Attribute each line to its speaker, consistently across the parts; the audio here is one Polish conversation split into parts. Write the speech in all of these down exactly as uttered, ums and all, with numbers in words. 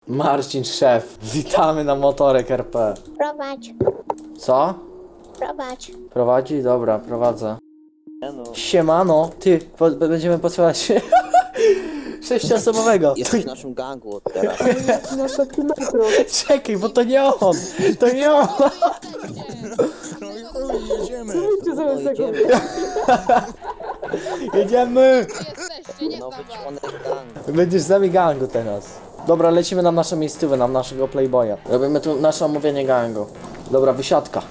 Speaker 1: Marcin, szef. Witamy na Motorek R P.
Speaker 2: Prowadź,
Speaker 1: Co?
Speaker 2: prowadź.
Speaker 1: Prowadzi? Dobra, prowadzę.
Speaker 3: No.
Speaker 1: Siemano. Ty, po, będziemy potrzebować sześcioosobowego.
Speaker 3: Jesteś w naszym gangu od teraz.
Speaker 1: Czekaj, bo to nie on. To nie on.
Speaker 4: No i chuj, jedziemy.
Speaker 3: No, idziemy.
Speaker 1: Jedziemy.
Speaker 5: Jesteście, nie
Speaker 3: Nowy
Speaker 5: znam was.
Speaker 3: członek gangu.
Speaker 1: Będziesz z nami gangu teraz. Dobra, lecimy na naszą miejscówę, na naszego playboya. Robimy tu nasze omówienie gangu. Dobra, wysiadka.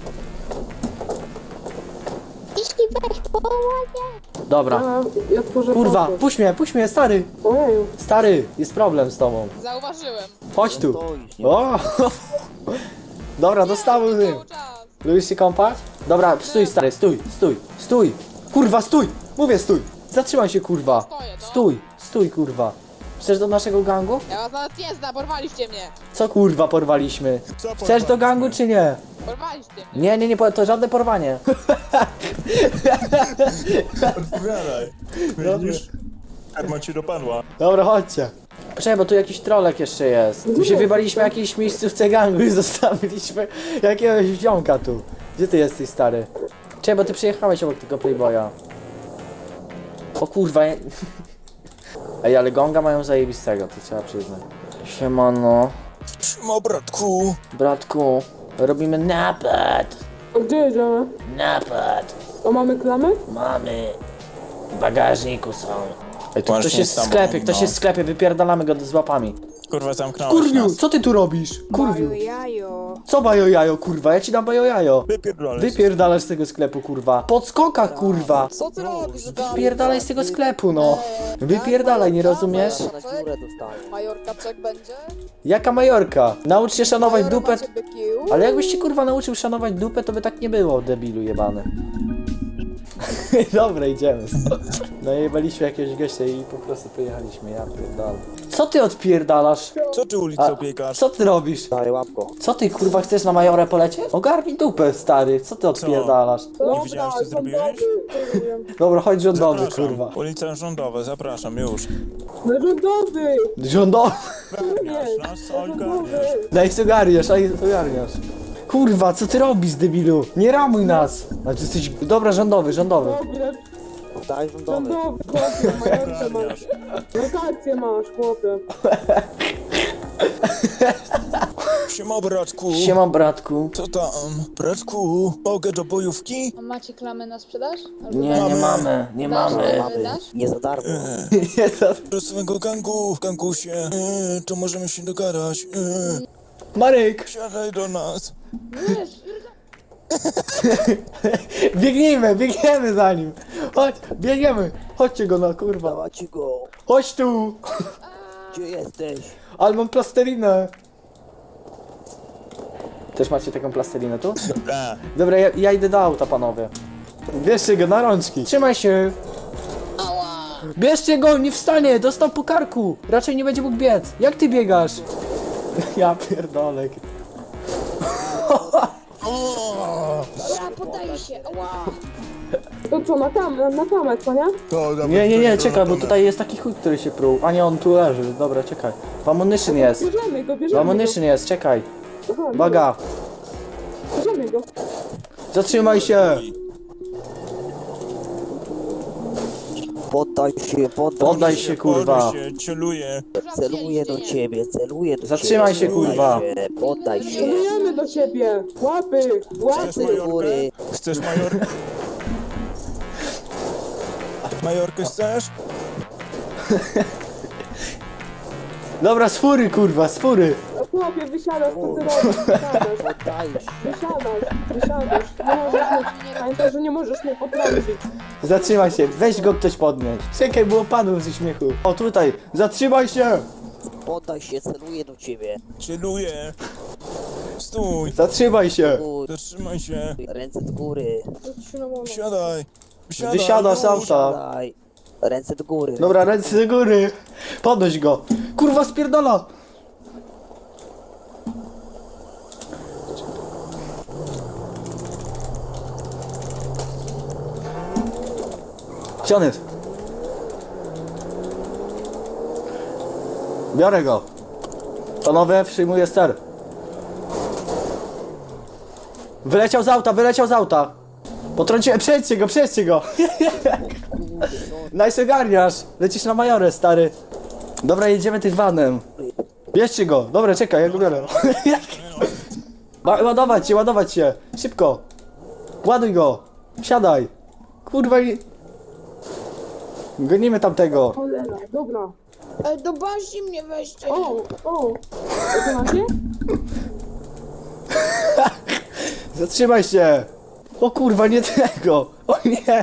Speaker 2: Jeśli weź połowie.
Speaker 1: Dobra.
Speaker 6: A, ja tworzę
Speaker 1: Kurwa,
Speaker 6: portret.
Speaker 1: puść mnie, puść mnie, stary.
Speaker 6: Ojeju.
Speaker 1: Stary, jest problem z tobą.
Speaker 5: Zauważyłem.
Speaker 1: Chodź tu.
Speaker 3: Stoisz, nie?
Speaker 1: O! Dobra, dostały ty.
Speaker 5: Cały czas.
Speaker 1: Lubisz się kąpać? Dobra, stój stary, stój, stój, stój. Kurwa, stój! Mówię stój! Zatrzymaj się, kurwa.
Speaker 5: Stoję, no.
Speaker 1: Stój, stój, kurwa. Chcesz do naszego gangu?
Speaker 5: Ja was nawet nie znam, porwaliście mnie.
Speaker 1: Co kurwa porwaliśmy?
Speaker 4: Co
Speaker 1: Chcesz do gangu czy nie?
Speaker 5: Porwaliście mnie.
Speaker 1: Nie, nie, nie, po- to żadne porwanie.
Speaker 4: Odpowiadaj. Widzisz? Karma ci dopadła.
Speaker 1: Dobra, chodźcie. Poczekaj, bo tu jakiś trolek jeszcze jest. My się wybaliśmy jakiejś miejscówce gangu i zostawiliśmy jakiegoś ziomka tu. Gdzie ty jesteś, stary? Czekaj, bo ty przyjechałeś obok tego playboya. O kurwa, ja... Ej, ale gonga mają zajebistego, to trzeba przyznać. Siemano.
Speaker 4: Siema, bratku.
Speaker 1: Bratku, robimy napad.
Speaker 6: A gdzie jedziemy?
Speaker 1: Napad.
Speaker 6: A mamy klamy?
Speaker 1: Mamy. W bagażniku są. Ej, tu
Speaker 4: Właśnie
Speaker 1: ktoś jest w
Speaker 4: tam,
Speaker 1: sklepie, ktoś
Speaker 4: no.
Speaker 1: jest w sklepie, wypierdalamy go z łapami.
Speaker 4: Kurwa, zamknąłeś
Speaker 1: Kurwiu,
Speaker 4: nas.
Speaker 1: co ty tu robisz? Kurwiu.
Speaker 5: jajo.
Speaker 1: Co bajo jajo, kurwa? Ja ci dam bajo jajo.
Speaker 4: Wypierdolę.
Speaker 1: Wypierdalasz z tego sklepu, kurwa. Podskokach, kurwa.
Speaker 5: Co ty robisz?
Speaker 1: Wypierdalaj z tego sklepu, no. Wypierdalaj, nie rozumiesz?
Speaker 3: Na dziurę dostałem.
Speaker 5: Majorka czek będzie?
Speaker 1: Jaka majorka? Naucz się szanować dupę.
Speaker 5: Macie byki?
Speaker 1: Ale jakbyś ci, kurwa, nauczył szanować dupę, to by tak nie było, debilu jebany. Dobra, idziemy. No jebaliśmy jakiegoś gościa i po prostu pojechaliśmy, ja pierdolę. Co ty odpierdalasz?
Speaker 4: Co ty ulicą biegasz?
Speaker 1: Co ty robisz?
Speaker 3: Daj łapko.
Speaker 1: Co ty, kurwa, chcesz na majorę polecieć? Ogarnij dupę, stary, co ty odpierdalasz?
Speaker 4: Nie widziałeś, co zrobiłeś?
Speaker 1: Dobra, chodź rządowy,
Speaker 4: Zapraszam.
Speaker 1: kurwa.
Speaker 4: Ulica rządowa, zapraszam już.
Speaker 6: No rządowy!
Speaker 1: Rządowy!
Speaker 4: Ogarniasz nas, ogarniasz.
Speaker 1: Daj sobie ogarniasz, daj ogarniasz. Kurwa, co ty robisz, debilu? Nie ramuj nas! A ty jesteś... Dobra, rządowy, rządowy.
Speaker 6: Dobra,
Speaker 3: Daj rządowy.
Speaker 6: rządowy, chłopie, majorkę masz.
Speaker 4: Ogarniasz.
Speaker 6: Rotację masz, chłopie.
Speaker 4: Siema, bratku.
Speaker 1: Siema, bratku.
Speaker 4: Co tam? Bratku, mogę do bojówki?
Speaker 5: A macie klamy na sprzedaż? Albo
Speaker 1: Nie, nie
Speaker 4: Mamy.
Speaker 1: mamy, nie
Speaker 5: Dasz?
Speaker 1: mamy.
Speaker 3: Mamy.
Speaker 5: Dasz?
Speaker 3: Nie za darmo.
Speaker 1: Nie, to...
Speaker 4: Do swojego gangu, gangusie. Yy, to możemy się dogadać. Yy,
Speaker 1: Marek!
Speaker 4: siadaj do nas.
Speaker 1: Biegnijmy, biegniemy za nim! Chodź, biegniemy! Chodźcie go na kurwa.
Speaker 3: Dawać go.
Speaker 1: Chodź tu!
Speaker 3: Gdzie jesteś?
Speaker 1: Ale mam plastelinę. Też macie taką plastelinę tu?
Speaker 4: Dobra.
Speaker 1: Dobra, ja, ja idę do auta, panowie. Bierzcie go na rączki. Trzymaj się. Bierzcie go, nie wstanie, dostał po karku. Raczej nie będzie mógł biec. Jak ty biegasz? Ja pierdolę.
Speaker 5: Dobra, poddaj się. Ała.
Speaker 6: To co, na tam, na, na tamek, co nie?
Speaker 4: To, dawaj,
Speaker 1: Nie, nie, nie,
Speaker 4: to
Speaker 1: czekaj, bo
Speaker 4: robimy.
Speaker 1: tutaj jest taki chuj, który się pruł. A nie, on tu leży. Dobra, czekaj. W ammunition jest.
Speaker 6: Bierzemy go,
Speaker 1: W
Speaker 6: bierzemy go.
Speaker 1: ammunition jest, czekaj.
Speaker 6: Aha, dobra,
Speaker 1: Baga.
Speaker 6: bierzemy go.
Speaker 1: Zatrzymaj się.
Speaker 3: Poddaj się, poddaj,
Speaker 1: Poddaj się, kurwa.
Speaker 4: Poddaj się, celuję.
Speaker 3: Celuję do ciebie, celuję do
Speaker 1: Zatrzymaj
Speaker 3: ciebie.
Speaker 1: się, kurwa.
Speaker 3: Poddaj się, Poddaj się.
Speaker 6: Celujemy do ciebie. Łapy,
Speaker 4: Chcesz
Speaker 6: łapy.
Speaker 4: majorkę?
Speaker 3: góry.
Speaker 4: Chcesz majorkę? Majorkę chcesz?
Speaker 1: Dobra, z fury, kurwa, z fury.
Speaker 6: Chłopie, wysiadasz, co ty robisz? Wysiadasz,
Speaker 3: Poddaj się.
Speaker 6: wysiadasz, wysiadasz. Nie możesz mnie, pamiętaj, że nie możesz mnie potrącić.
Speaker 1: Zatrzymaj się, weź go ktoś podnieść. Czekaj, było panu ze śmiechu. O, tutaj, zatrzymaj się.
Speaker 3: Poddaj się, celuję do ciebie.
Speaker 4: Celuję. Stój.
Speaker 1: Zatrzymaj się.
Speaker 3: Uj,
Speaker 4: Zatrzymaj się.
Speaker 3: ręce do góry.
Speaker 4: Wsiadaj. Wsiadaj.
Speaker 1: Wysiadasz z
Speaker 4: już.
Speaker 1: auta.
Speaker 3: Daj. Ręce do góry.
Speaker 1: Dobra, ręce do góry. Podnoś go. Kurwa, spierdala. Gdzie on jest? Biorę go. Panowie, przyjmuję ster. Wyleciał z auta, wyleciał z auta. Potrąciłem, przejdźcie go, przejdźcie go. Nice ogarniasz. Lecisz na majorę, stary. Dobra, jedziemy tym vanem. Bierzcie go. Dobra, czekaj, ja go biorę. Ła- Ładować się, ładować się. Szybko. Ładuj go. Wsiadaj. Kurwa i... Gonimy tamtego.
Speaker 6: Cholera, dobra.
Speaker 5: Ej, do bazi mnie weźcie.
Speaker 6: O, o. To macie?
Speaker 1: Zatrzymaj się. O kurwa, nie tego. O nie.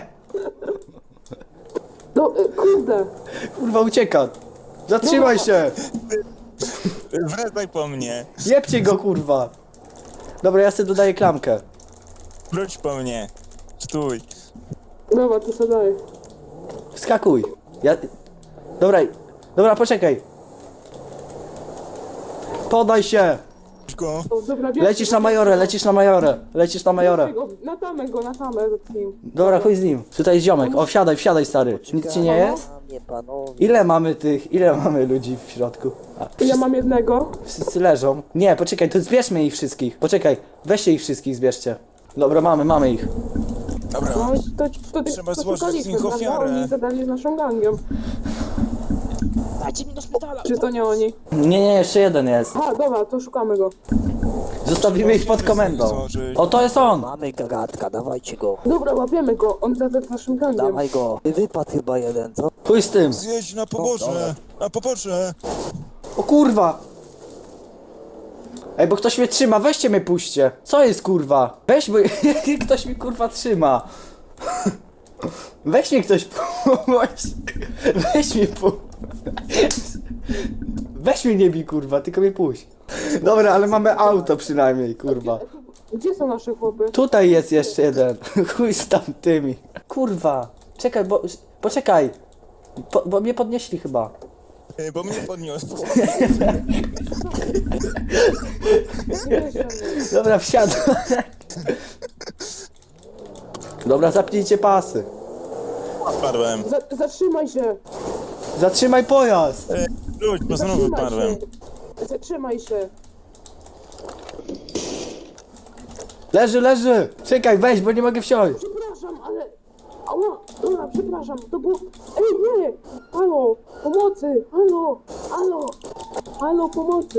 Speaker 6: No, y, kurde.
Speaker 1: Kurwa, ucieka. Zatrzymaj się.
Speaker 4: Wracaj po mnie.
Speaker 1: Jebcie go, kurwa. Dobra, ja sobie dodaję klamkę.
Speaker 4: Wróć po mnie. Stój.
Speaker 6: Dobra, to co dalej?
Speaker 1: Wskakuj. Ja... Dobra, dobra, poczekaj. Podaj się.
Speaker 4: Go.
Speaker 6: O, dobra, bierz-
Speaker 1: Lecisz na majorę, lecisz na majorę. Lecisz na majorę.
Speaker 6: Bierz go, Na tamę go, na tamę z nim.
Speaker 1: Dobra, chuj z nim. Tutaj jest ziomek. O, wsiadaj, wsiadaj, stary. Nic ci nie jest?
Speaker 3: Panie, panowie.
Speaker 1: Ile mamy tych, ile mamy ludzi w środku? A,
Speaker 6: Ja mam jednego.
Speaker 1: wszyscy leżą. Nie, poczekaj, to zbierzmy ich wszystkich. Poczekaj, weźcie ich wszystkich, zbierzcie. Dobra, mamy, mamy ich.
Speaker 4: Dobra.
Speaker 6: No, to, to, to,
Speaker 4: Trzeba
Speaker 6: to
Speaker 4: złożyć
Speaker 6: szukaliśmy,
Speaker 4: z nich
Speaker 6: prawda?
Speaker 4: ofiarę.
Speaker 6: Oni zadali z naszą gangiem.
Speaker 5: Dajcie mi do szpitala.
Speaker 6: Czy to nie oni?
Speaker 1: Nie, nie, jeszcze jeden jest.
Speaker 6: A, dobra, to szukamy go.
Speaker 1: Zostawimy ich pod komendą. O, to jest on!
Speaker 3: Mamy gagatka, dawajcie go.
Speaker 6: Dobra, łapiemy go. On zadał z naszym gangiem.
Speaker 3: Dawaj go. Wypadł chyba jeden, co?
Speaker 1: Chuj z tym.
Speaker 4: Zjedź na pobocze. Na pobocze.
Speaker 1: O kurwa! Ej, bo ktoś mnie trzyma, weźcie mnie puśćcie. Co jest kurwa? Weź, bo ktoś mi kurwa trzyma. Weź mnie ktoś puść. Weź mnie puść. Weź mnie nie bij kurwa, tylko mnie puść. Dobra, ale mamy auto przynajmniej kurwa.
Speaker 6: Gdzie są nasze chłopy?
Speaker 1: Tutaj jest jeszcze jeden. Chuj z tamtymi. Kurwa. Czekaj, bo... Poczekaj. Po, bo mnie podnieśli chyba.
Speaker 4: Ej, Bo mnie podniosł.
Speaker 1: Dobra, wsiadam. Dobra, zapnijcie pasy.
Speaker 4: Wypadłem.
Speaker 6: Za, zatrzymaj się!
Speaker 1: Zatrzymaj pojazd.
Speaker 4: Ej, Wróć, bo znowu
Speaker 6: Zatrzymaj
Speaker 4: wypadłem.
Speaker 6: się! Zatrzymaj się!
Speaker 1: Leży, leży. Czekaj, weź, bo nie mogę wsiąść.
Speaker 6: Przepraszam, ale... Ała! Dobra, przepraszam, to było... Ej, nie! Halo! Pomocy! Halo! Halo! Halo, pomocy!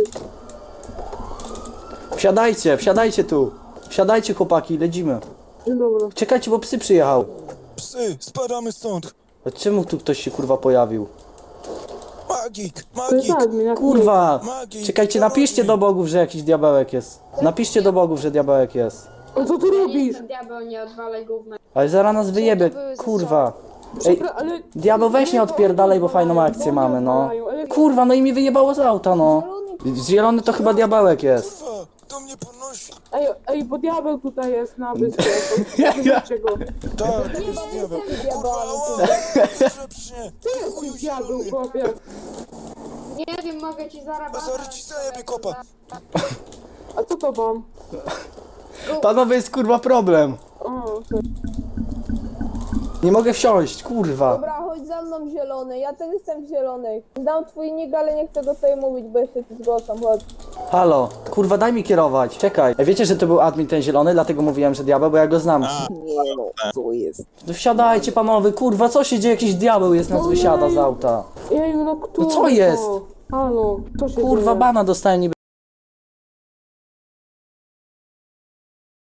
Speaker 1: Wsiadajcie, wsiadajcie tu. Wsiadajcie chłopaki, lecimy.
Speaker 6: Dzień dobry.
Speaker 1: Czekajcie, bo psy przyjechał.
Speaker 4: Psy, spadamy stąd.
Speaker 1: A czemu tu ktoś się kurwa pojawił?
Speaker 4: Magik,
Speaker 6: To jest
Speaker 4: magik.
Speaker 6: admin, jak
Speaker 1: Kurwa.
Speaker 4: Magik,
Speaker 1: Czekajcie, napiszcie do bogów, że jakiś diabełek jest. Napiszcie do bogów, że diabełek jest.
Speaker 6: nie. Co ty robisz?
Speaker 7: Diabeł, nie odwalaj gówna.
Speaker 1: Ale zaraz nas wyjebie, kurwa. Ej,
Speaker 6: Przepra- ale...
Speaker 1: diabeł weź nie odpierdalaj, bo fajną akcję mamy, no. Kurwa, no i mi wyjebało z auta, no. Zielony to chyba diabełek jest.
Speaker 4: Kurwa, to mnie podnosi.
Speaker 6: Ej, ej, bo diabeł tutaj jest na wyspie. Zobaczcie go.
Speaker 4: Tak, to jest diabeł. Kurwa, ała. Rzepśnie.
Speaker 6: Ty jesteś diabeł, chłopie.
Speaker 7: Nie wiem, mogę ci zarabiać.
Speaker 4: Zaraz ci zajebie kopa.
Speaker 6: A co to wam?
Speaker 1: Panowie, jest kurwa problem.
Speaker 6: O, okej.
Speaker 1: Nie mogę wsiąść, kurwa.
Speaker 8: Dobra, chodź za mną zielony, ja też jestem zielony. Znam twój nick, ale nie chcę go tutaj mówić, bo jeszcze ci zgłaszam, chodź.
Speaker 1: Halo, kurwa, daj mi kierować. Czekaj. Ej, wiecie, że to był admin ten zielony, dlatego mówiłem, że diabeł, bo ja go znam.
Speaker 4: A,
Speaker 3: Nie no, co jest?
Speaker 1: No wsiadajcie panowie, kurwa, co się dzieje? Jakiś diabeł jest, nas wysiada z auta.
Speaker 6: Ej, no kto?
Speaker 1: No co jest?
Speaker 6: Halo, co się
Speaker 1: Kurwa,
Speaker 6: dzieje?
Speaker 1: bana dostałem niby.